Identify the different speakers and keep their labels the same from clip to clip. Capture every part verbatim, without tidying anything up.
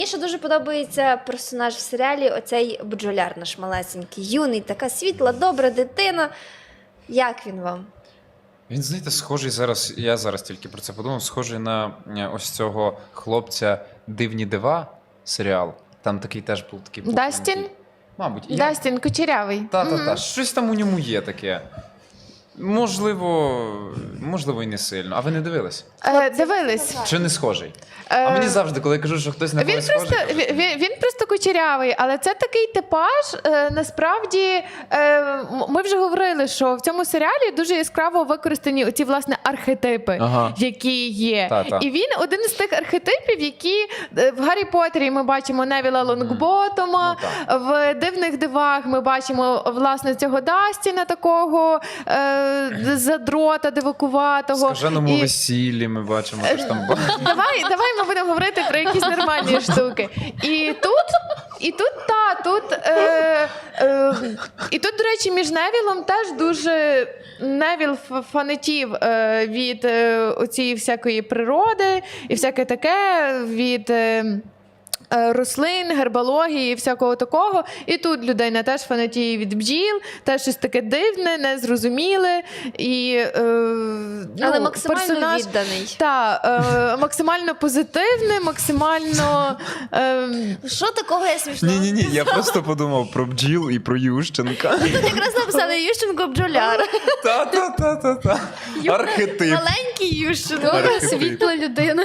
Speaker 1: Мені ще дуже подобається персонаж в серіалі, оцей бджоляр наш малесенький, юний, така світла, добра дитина. Як він вам?
Speaker 2: Він, знаєте, схожий зараз, я зараз тільки про це подумав, схожий на е, ось цього хлопця «Дивні дива» серіал. Там такий теж був такий пухленький.
Speaker 3: Дастін?
Speaker 2: Мабуть. Я...
Speaker 3: Дастін Кучерявий.
Speaker 2: Та-та-та, щось там у ньому є таке. Можливо, можливо, і не сильно. А ви не дивились?
Speaker 3: Е, дивились.
Speaker 2: Чи не схожий?
Speaker 3: Е,
Speaker 2: А мені завжди, коли я кажу, що хтось на
Speaker 3: Він
Speaker 2: когось
Speaker 3: просто,
Speaker 2: схожий, кажуть,
Speaker 3: він, він просто кучерявий, але це такий типаж, е, насправді, е, м- ми вже говорили, що в цьому серіалі дуже яскраво використані оці, власне, архетипи,
Speaker 2: Ага.
Speaker 3: які є.
Speaker 2: Та-та.
Speaker 3: І він один із тих архетипів, які е, в Гаррі Поттері ми бачимо Невіла Лонгботома,
Speaker 2: Ну,
Speaker 3: в «Дивних дивах» ми бачимо, власне, цього Дастіна такого е, задрота, дивакуватого.
Speaker 2: в «Скаженому
Speaker 3: І-
Speaker 2: весіллі» ми бачимо, що ж там було.
Speaker 3: Давай, давай ми будемо говорити про якісь нормальні штуки. І тут, і тут, та, тут, е, е, і тут, до речі, між Невілом теж дуже Невіл ф- фанатів е, від е, оцієї всякої природи і всяке таке від. Е, е, рослин, гербології і всякого такого. І тут людина теж фанатіє від бджіл, теж щось таке дивне, незрозуміле. І, е, ну,
Speaker 1: Але максимально
Speaker 3: персонаж,
Speaker 1: відданий.
Speaker 3: та, е, максимально позитивний, максимально... Е,
Speaker 1: Що такого я смішного?
Speaker 2: Ні-ні-ні, я просто подумав про бджіл і про Ющенка.
Speaker 1: Тут якраз написали Ющенко бджоляр.
Speaker 2: Та-та-та-та-та. Архетип.
Speaker 1: Маленький Ющенко.
Speaker 2: Архетип.
Speaker 1: Світла людина.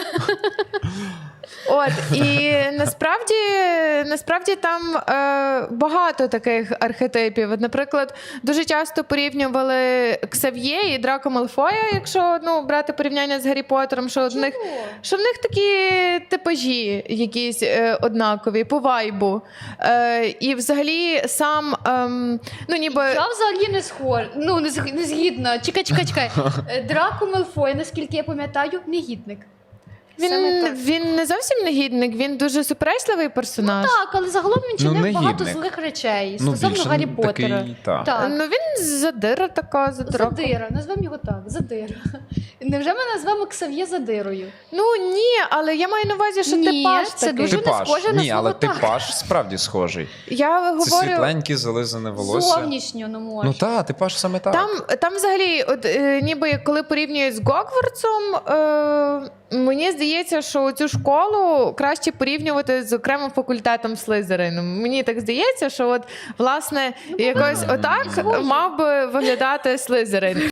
Speaker 3: От, і насправді, насправді там е, багато таких архетипів. От, наприклад, дуже часто порівнювали Ксав'є і Драко Малфоя, якщо ну, брати порівняння з Гаррі Поттером, що, в них, що в них такі типажі якісь е, однакові, по вайбу. Е, і взагалі сам, ем, ну ніби...
Speaker 4: Я взагалі не схожа, ну не, зг- не згідна. Чекай, чекай, чекай. Е, Драко Мелфой, наскільки я пам'ятаю, негідник.
Speaker 1: Саме
Speaker 3: Він,
Speaker 1: так.
Speaker 3: він не зовсім негідник, він дуже суперечливий персонаж.
Speaker 4: Так, але загалом він чинив
Speaker 2: Ну,
Speaker 4: багато
Speaker 2: негідник.
Speaker 4: злих речей
Speaker 2: Ну,
Speaker 4: стосовно
Speaker 2: більше
Speaker 4: Гаррі
Speaker 2: такий,
Speaker 4: Поттера.
Speaker 2: та.
Speaker 4: Так.
Speaker 3: Ну він задира така, задира.
Speaker 4: Задира, назвемо його так, задира. Невже ми назвемо Ксав'є задирою?
Speaker 3: Ну ні, але я маю на увазі, що
Speaker 4: Ні,
Speaker 3: типаж
Speaker 4: це
Speaker 3: такий.
Speaker 4: дуже-
Speaker 2: Типаж.
Speaker 4: не схоже на
Speaker 2: Ні, але
Speaker 4: свого тата.
Speaker 2: типаж справді схожий.
Speaker 3: Я
Speaker 2: Це
Speaker 3: говорю,
Speaker 2: світленьке, зализане волосся.
Speaker 4: Зовнішньо, ну може.
Speaker 2: Ну так, типаж саме так.
Speaker 3: там, там взагалі, от е, ніби коли порівнюють з Гогвартсом, е, мені здається, що цю школу краще порівнювати з окремим факультетом Слизерину. Мені так здається, що от власне якось отак мав би виглядати Слизерин.